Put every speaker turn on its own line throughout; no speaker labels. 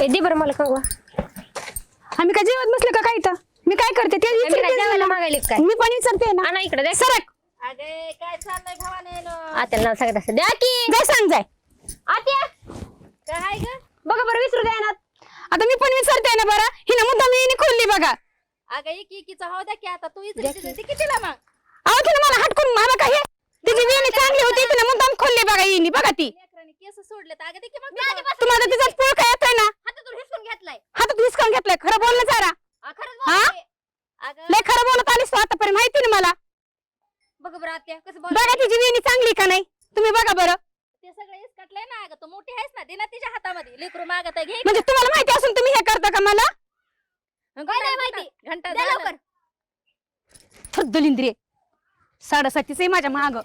दे बरं मला कंगवा.
आम्ही काय जेवत बसले का काय इथं? मी काय करते ते
आम्ही काय
विचारते
जेवायला
ना.
मागायले काय?
मी पण विचारते ना.
आणा इकडे दे.
सरक
अगे काय चाललंय भावाने
आत्याला नाव सांगत असं द्या की.
जाय सांग जाय.
आत्या
काय ग
बघा बरं विसरू द्या ना.
आता मी पण विचारते ना बरं. हिनं मुद्दा मी खोलली बघा.
अगं एकीचा हो द्या की आता तू इथे कितीला मग
अहो तिने मला हटकून मला काय तिची वेणी चांगली होती तिने मुद्दाम खोलली बघा हिनी बघा ती.
लेकरांनी केस सोडले तर अगं दे की मग
तुम्हाला तिचा पुळ काय येतोय ना
हातातून हिसकून घेतलाय
हातात हिसकावून घेतलाय. खरं बोल ना जरा.
खरंच
हा?
बोलते. अगं
लय खरं बोलत आलीस तू आतापर्यंत माहिती ना मला.
बघ बरं आत्या कसं
बघा
बोल
तिची वेणी चांगली का नाही तुम्ही बघा बरं.
ते सगळं इसकटलंय ना अगं तू मोठी आहेस ना दे ना तिच्या हातामध्ये लेकरू मागत आहे घे
म्हणजे तुम्हाला माहिती असून तुम्ही हे करता का मला.
काय नाही माहिती घंटा
द्या
झालं.
लवकर.
दलिंद्रिय 7:30 आहे माझ्या माग.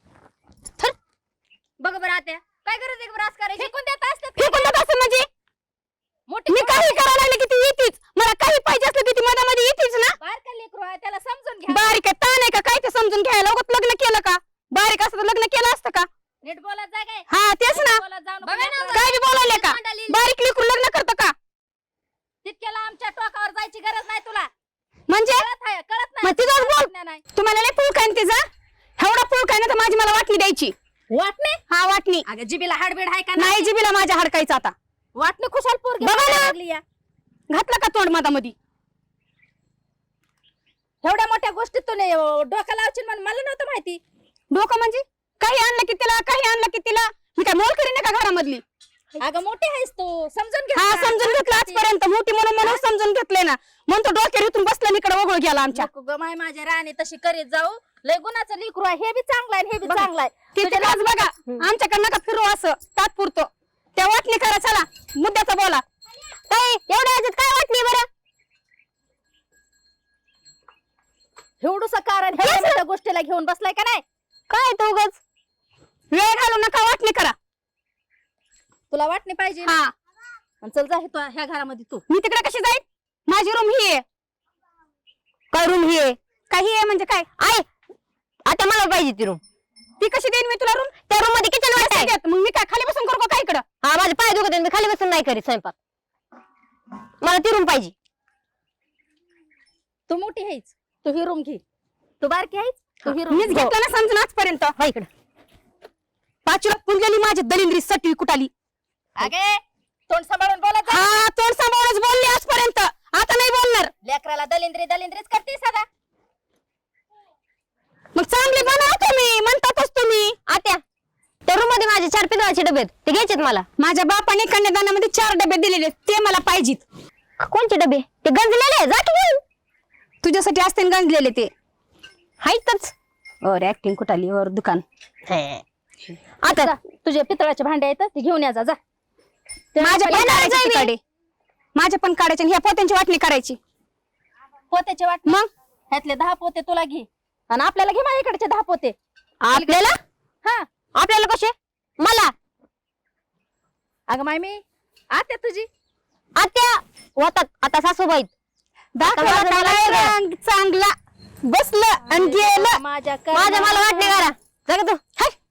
बघ बरं आत्या काय गरज आहे ब्रास करायची फेकून देत असतात
फेकून देत असं म्हणजे
मोठी
मी काही करायला लागले की ती येतीच. मला काही पाहिजे असलं की ती मधामध्ये येतीच ना.
बारका लेकरू आहे त्याला समजून घ्या
बारीक आहे ताण आहे का काय ते समजून घ्यायला उगाच लग्न केलं का. बारीक असतं तर लग्न केलं असतं का.
नीट बोलत जा काय
हा तेच ना.
बोलत जाऊ नको
बघा ना,
लेकराला.
काय बी बोलायले का. बारीक लेकरू लग्न करतं का
तितक्याला आमच्या टोकावर जायची गरज नाही तुला
म्हणजे
कळत
मग तिथंच बोल.
नाही
तुम्हाला लय पुळ काय तिचा एवढा पुळ काय ना तर माझी मला वाटणी द्यायची.
वाटणे
हा वाटणी
अगं जिबीला हाडबीड आहे का
नाही जिबीला माझ्या हडकायचं आता.
वाटणे खुशाल पोर
बघा ना.
लागली या
घातलं का तोंड मधामध्ये.
एवढ्या मोठ्या गोष्टीत तू नाही डोका लावशील म्हणून मला नव्हतं माहिती
डोकं म्हणजे काही आणलं की तिला काही आणलं की तिला मी काय मोल करीन का घरामधली.
अगं मोठी आहेस तू समजून घे
हा समजून घेतलं आजपर्यंत मोठी म्हणून समजून घेतलंय ना म्हणून तो डोक्यावर इथून बसला इकडे ओघळ गेला आमच्या.
नको ग माय माझ्या राणी तशी करीत जाऊ लय गुणाचं लेकरू आहे हे बी चांगलं आहे आणि हे बी चांगलं आहे
तिथे लाज बघा आमच्याकडे नका फिरू असं तात्पुरतं. त्या वाटणी करा चला मुद्द्याचा बोला. काय एवढ्या ह्याच्यात काय वाटणी बरं.
एवढंसं कारण एवढ्या मोठ्या गोष्टीला घेऊन बसलाय का नाही
काय तो उगाच वेळ घालू नका वाटणी करा.
तुला वाटणे पाहिजे ना?
हा
आणि चल जा तू ह्या घरामध्ये तू
मी तिकडे कशी जाईल. माझी रूम ही आहे. काय रूम ही आहे काही आहे म्हणजे काय आहे.
आता मला पाहिजे ती रूम.
ती कशी देईन मी तुला रूम.
त्या रूम मध्ये किचन वाट आहे.
मग मी काय खाली बसून करू का काय इकडं.
हा माझे पाय दुखत आहेत, मी खाली बसून नाही करीत स्वयंपाक. मला ती रूम पाहिजे.
तू मोठी आहेस तू ही रूम घे तू बारकी आहेस तू ही रूम
मीच घेतलं ना समजून आजपर्यंत.
हा इकडं
पाचीला पुंजली माझी दलिंद्री सटवी कुटाली.
अगे तोंड सांभाळून बोलत जा.
हा तोंड सांभाळूनच बोलली आजपर्यंत आता नाही बोलणार.
लेकराला दलिंद्रीच करते सदा
मग चांगले बनवा तुम्ही म्हणतातच तुम्ही.
आत्या त्या रूम मध्ये माझे 4 पितळाचे डबे आहेत, ते घ्यायचेत मला.
माझ्या बापाने कन्यादानामध्ये 4 डबे दिलेले ते मला पाहिजेत.
कोणते डबे ते गंजलेले जा की घेऊन.
तुझ्यासाठी असते ना गंजलेले ते
हायतच.
और ऍक्टिंग कुटाली और दुकान.
आता
जा, तुझे पितळाचे भांडे आहेत ते घेऊन या जा
माझ्या पण
येणारच
काढायचे
आहे मी.
तिकडे. माझ्या पण काढायचे आणि ह्या पोत्यांची वाटणी करायची.
पोत्याचे वाटणे
मग
ह्यातले 10 पोते तुला घे आणि आपल्याला घे माझ्या इकडचे 10 पोते
आपल्याला
हा
आपल्याला कसे मला
अगं माय मी आत्या तुझी
आत्या होतात आता सासूबाई.
दाखवला
माझं मला
काय
वेगळं.
रंग चांगला बसलं आणि गेलं.
माझ्या
माझ्या मला वाटणे करा. जा का तू.
हाय